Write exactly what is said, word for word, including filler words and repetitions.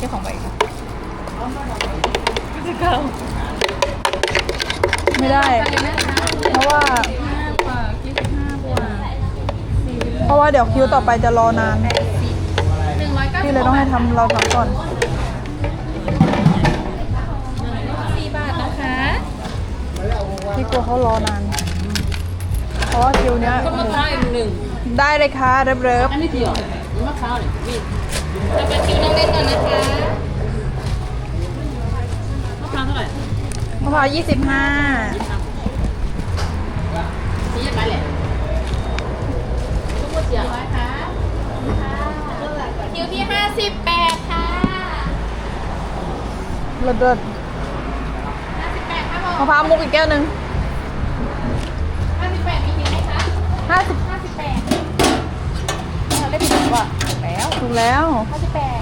จ้าของใบค่ะจะเก่าไม่ได้เพราะว่าเพราะว่าเดี๋ยวคิวต่อไปจะรอนานพี่เลยต้องให้ทำเราทำก่อนสี่บาทนะคะพี่กลัวเขารอนานเพราะว่าคิวเนี้ยต้นมะพร้าวอีกหนึ่งได้เลยค่ะเริบอันนี้เดียวมะพร้าวเนี่ยพี่เราไปคิวน้องเล่นก่อนนะคะมะพร้าวเท่าไหร่ๆมะพร้าวยี่สิบห้าชี้ยังไงแหละทุกคนเสียร้อยค่ะคิวที่ห้าสิบแปดค่ะเลิศเลิศห้าสิบแปดครับผมมะพร้าวมุกอีกแก้วหนึ่งห้าสิบแปดมีคิวไหมคะห้าสิบห้าสิบแปดเราได้ผิดหรือเปล่าถูกแล้วถูกแล้วห้าสิบแปด